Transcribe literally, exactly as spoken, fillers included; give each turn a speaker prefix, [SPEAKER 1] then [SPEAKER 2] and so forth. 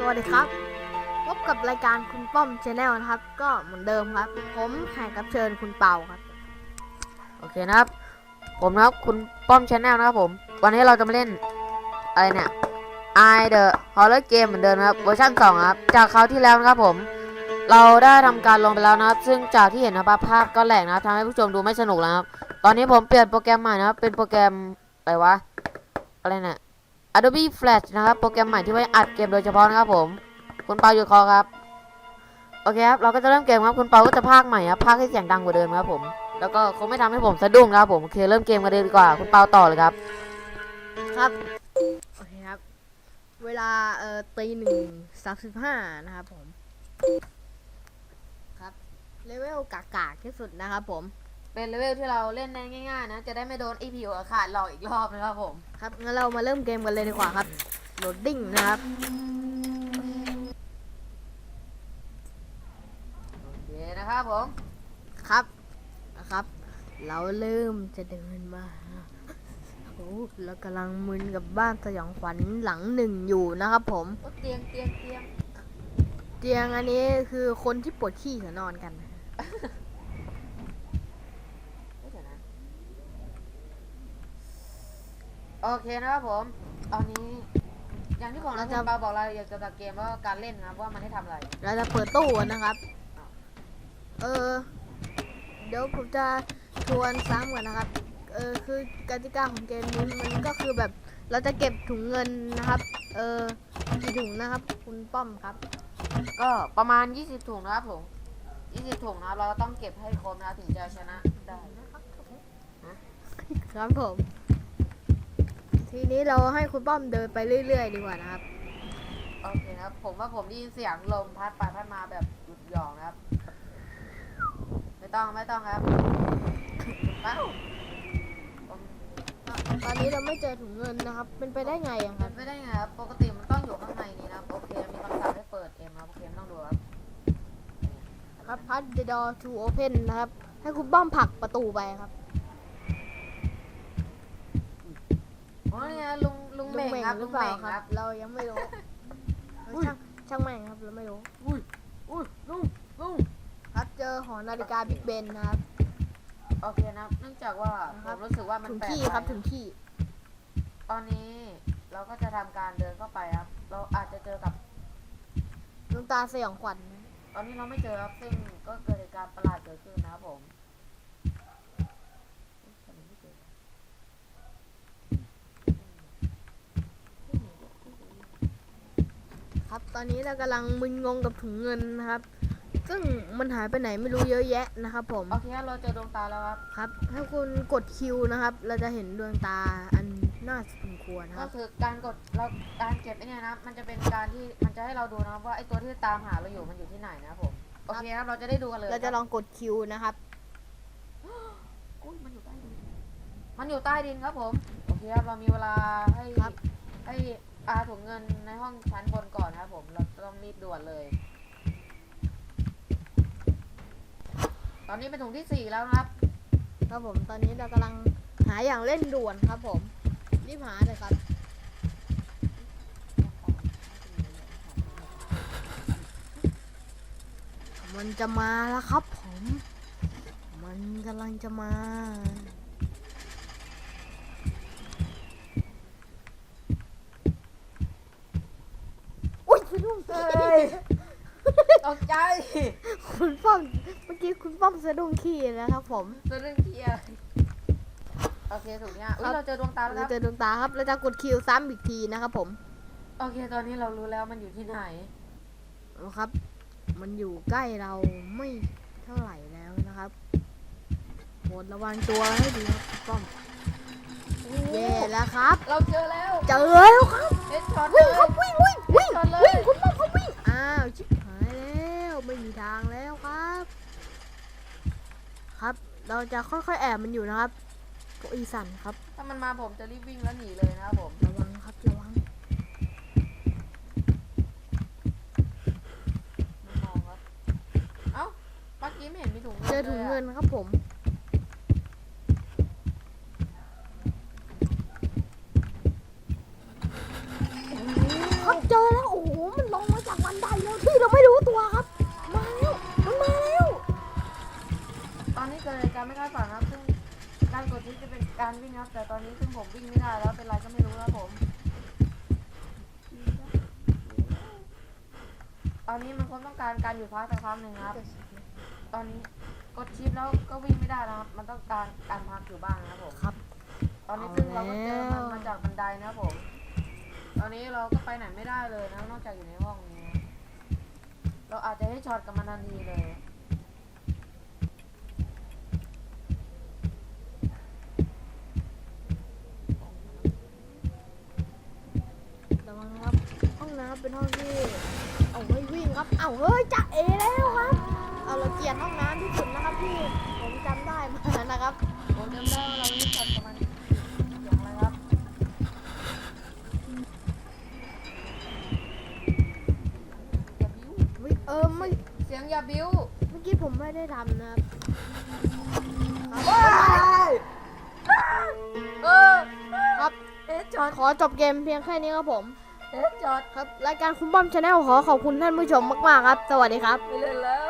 [SPEAKER 1] วัสดีครับพบกับรายการคุณป้อมชาแนลนะครับก็เหมือนเดิมครับผมแขกรับเชิญคุณเปาครับ
[SPEAKER 2] โอเคนะครับผมนะครับคุณป้อมชาแนลนะครับผมวันนี้เราจะมาเล่นอะไรเนี่ย I The Horror Game เหมือนเดิมนะครับเวอร์ชันสองครับจากคราวที่แล้วนะครับผมเราได้ทำการลงไปแล้วนะครับซึ่งจากที่เห็นนะครับภาพก็แหลกนะครับทำให้ผู้ชมดูไม่สนุกแล้วครับตอนนี้ผมเปลี่ยนโปรแกรมใหม่นะครับเป็นโปรแกรมอะไรวะอะไรเนี่ย Adobe Flash นะครับโปรแกรมใหม่ที่ไว้อัดเกมโดยเฉพาะนะครับผมคุณเปาอยู่คอครับโอเคครับเราก็จะเริ่มเกมครับคุณเปาก็จะพากย์ใหม่ครับพากย์ให้เสียงดังกว่าเดิมครับผมแล้วก็คงไม่ทำให้ผมสะดุ้งนะครับผมโอเคเริ่มเกมกันเลยดีกว่าคุณเปาต่อเลยครับ
[SPEAKER 1] ครับโอเคครับเวลาเอ่อตีหนึ่งสามสิบห้านะครับผมครับเลเวลกากากที่สุดนะครับผม
[SPEAKER 2] เป็นเลเวลที่เราเล่นได้ง่ายๆนะจะได้ไม่โดนไอพีโอขาดหลอกอีกรอบนะครับผม
[SPEAKER 1] ครับงั้นเรามาเริ่มเกมกันเลยดีกว่าครับโหลดดิ้งนะครับ
[SPEAKER 2] โอเคนะครับผม
[SPEAKER 1] ครับนะครับเราเริ่มจะเดินมาโอ้เรากำลังมึนกับบ้านสยองขวัญหลังหนึ่งอยู่นะครับผม
[SPEAKER 2] เตียงเตียงเตียง
[SPEAKER 1] เตียงอันนี้คือคนที่ปวดขี้เขานอนกัน
[SPEAKER 2] โอเคนะครับผมตอนนี้อย่างที่ของเราจะบอกรายละเอียดเกี่ยวกับเกมว่าการเล่นนะว่ามันให้ทำอะไร
[SPEAKER 1] เราจะเปิดตู้นะครับเออเดี๋ยวผมจะทวนซ้ำก่อนนะครับเออคือกติกาของเกมนี้มันก็คือแบบเราจะเก็บถุงเงินนะครับเออกี่ถุงนะครับคุณป้อมครับ
[SPEAKER 2] ก็ประมาณยี่สิบถุงนะครับผมยี่สิบถุงนะเราต้องเก็บให้ครบนะถึงจะชนะได้
[SPEAKER 1] ครับผมทีนี้เราให้คุณป้อมเดินไปเรื่อยๆดีกว่านะครับ
[SPEAKER 2] โอเคครับผมว่าผมได้ยินเสียงลมพัดไปพัดมาแบบหยุดหย่องนะครับไม่ต้องไม่ต้องครับเป้า
[SPEAKER 1] ตอนนี้เราไม่เจอถุงเงินนะครับเป็นไปได้ไงอะครับ
[SPEAKER 2] ไม่ได้ไงครับปกติมันต้องอยู่ข้างในนี้นะโอเคมีคำสั่งให้เปิดเองครับโอเคไม่ต้องดูครับ
[SPEAKER 1] ครับ Pass the door to open นะครับให้คุณป้อมผลักประตูไปครับ
[SPEAKER 2] อ๋อเนี่ยลุงลุงเม่งครับ
[SPEAKER 1] ห
[SPEAKER 2] ลุ
[SPEAKER 1] รื
[SPEAKER 2] ง
[SPEAKER 1] อเปล่า
[SPEAKER 2] เม่ง
[SPEAKER 1] ค
[SPEAKER 2] ค
[SPEAKER 1] รั
[SPEAKER 2] รั
[SPEAKER 1] บบ เรายังไม่รู้ช่างช่างแม่งครับเราไม่รู้
[SPEAKER 2] อุ้ยอุ้ยลุงลุง
[SPEAKER 1] ครับเจอหอนาฬิกาบิ๊กเบนนะครับ
[SPEAKER 2] โอเคนะเนื่องจากว่าผมรู้สึกว่ามัน
[SPEAKER 1] ถึง
[SPEAKER 2] แปลก
[SPEAKER 1] ที่ครับถึงที่
[SPEAKER 2] ตอนนี้เราก็จะทำการเดินเข้าไปครับเราอาจจะเจอกับ
[SPEAKER 1] ดวงตาสยองขวัญ
[SPEAKER 2] ตอนนี้เราไม่เจอครับซึ่งก็เกิดเหตุการณ์ประหลาดเกิดขึ้นนะครับผม
[SPEAKER 1] ครับตอนนี้เรากำลังมึนงงกับถุงเงินนะครับซึ่งมันหายไปไหนไม่รู้เยอะแยะนะครับผม
[SPEAKER 2] โอเคเราเจอดวงตาแล้วครับ
[SPEAKER 1] ครับถ้าคุณกดคิวนะครับเราจะเห็นดวงตาอันน่าสมควรค
[SPEAKER 2] ก็
[SPEAKER 1] รับ
[SPEAKER 2] คือการกดเราการเก็บไอ้นี่นะมันจะเป็นการที่มันจะให้เราดูนะครับว่าไอ้ตัวที่ตามหาเราอยู่มันอยู่ที่ไหนนะครับผมโอเคครับเราจะได้ดูกันเลย
[SPEAKER 1] เราจะลองกดคิวนะครับ
[SPEAKER 2] อุ้ยมันอยู่ใต้ดินมันอยู่ใต้ดินครับผมโอเคครับเรามีเวลาให้ให้อาถุงเงินในห้องชั้นบนก่อนนะครับผมเราต้องรีบด่วนเลยตอนนี้เป็นถุงที่สี่แล้วนะครับ
[SPEAKER 1] ครับผมตอนนี้เรากำลังหาอย่างเล่นด่วนครับผมรีบหาเลยครับมันจะมาแล้วครับผมมันกำลังจะมาอุ้ยคุณลุง
[SPEAKER 2] เฮ้ยตกใจ
[SPEAKER 1] คุณป้อมเมื่อกี้คุณป้อมสะดุ้งขี้นะครับผม
[SPEAKER 2] เรื่องเทียโอเคถูกเนี่ยเราเจอดวงตาแล้วค
[SPEAKER 1] เรา
[SPEAKER 2] รับ
[SPEAKER 1] เจอดวงตาครับเราจะกดคิวซ้ำอีกทีนะครับผม
[SPEAKER 2] โอเคตอนนี้เรารู้แล้วมันอยู่ที่ไหน
[SPEAKER 1] นะครับ มันอยู่ใกล้เราไม่เท่าไหร่แล้วนะครับโปรดระวังตัวให้ดีครับคุณป้อมเย่แล้วครับ
[SPEAKER 2] เราเจอแล้ว
[SPEAKER 1] เจอแล้วครับ
[SPEAKER 2] เฮดช็อต
[SPEAKER 1] วิ่ง
[SPEAKER 2] เลย
[SPEAKER 1] ครับวิ่งวิ่งวิ่ง
[SPEAKER 2] ช็อตเลย
[SPEAKER 1] วิ่งคุณป้อมเขาวิ่งอ้าวชิบหายแล้วไม่มีทางแล้วครับ ครับเราจะค่อยๆแอบมันอยู่นะครับโกอีสันครับ
[SPEAKER 2] ถ้ามันมาผมจะรีบวิ่งแล้วหนีเลยนะครับผม
[SPEAKER 1] ระวังครับระวัง
[SPEAKER 2] ไม่มองครับเอ้าเมื่อกี้ไม่เห็นมีถุงเงิน
[SPEAKER 1] เจอถุงเงินครับผมครับเจอแล้วโอ้โหมันลงมา
[SPEAKER 2] ดชิปจะเป็นการวิ่งครับแต่ตอนนี้ซึ่งผมวิ่งไม่ได้แล้วเป็นไรก็ไม่รู้ครับผมตอนนี้มันคงต้องการการหยุดพักสักครั้งหนึ่งครับตอนนี้กดชิปแล้วก็วิ่งไม่ได้แล้วครับมันต้องการการพักอยู่บ้างนะครับผม
[SPEAKER 1] ครับ
[SPEAKER 2] ตอนนี้ซึ่งเราก็เจอมันมาจากบันไดนะครับผม ตอนนี้เราก็ไปไหนไม่ได้เลยนะนอกจากอยู่ในห้องนี้นะเราอาจจะให้ช็อตกับมันทันทีเลย
[SPEAKER 1] ระวังนะครับห้องน้ำเป็นห้องที่เอาไว้วิ่งครับเอาเฮ้ยจะเอแล้วครับเอาเราเกลียดห้องน้ำที่สุดนะครับพี่ผมจำได้มานะครับ
[SPEAKER 2] ผมจำได้ว่าเราไม่ช็อตกับมันอย่างไรครับอย่าบิ้ว
[SPEAKER 1] วิเออไม่
[SPEAKER 2] เสียงอย่าบิ้ว
[SPEAKER 1] เมื่อกี้ผมไม่ได้ทำนะครับครับ
[SPEAKER 2] เออ
[SPEAKER 1] ครับ
[SPEAKER 2] เอ๊ะช็อต
[SPEAKER 1] ขอจบเกมเพียงแค่นี้ครับผม
[SPEAKER 2] เอ๊ะช็อต
[SPEAKER 1] ครับรายการคุณป้อมชาแนลขอขอบคุณท่านผู้ชมมากๆครับ สวัสดีครับ
[SPEAKER 2] ไม่เล่นแล้ว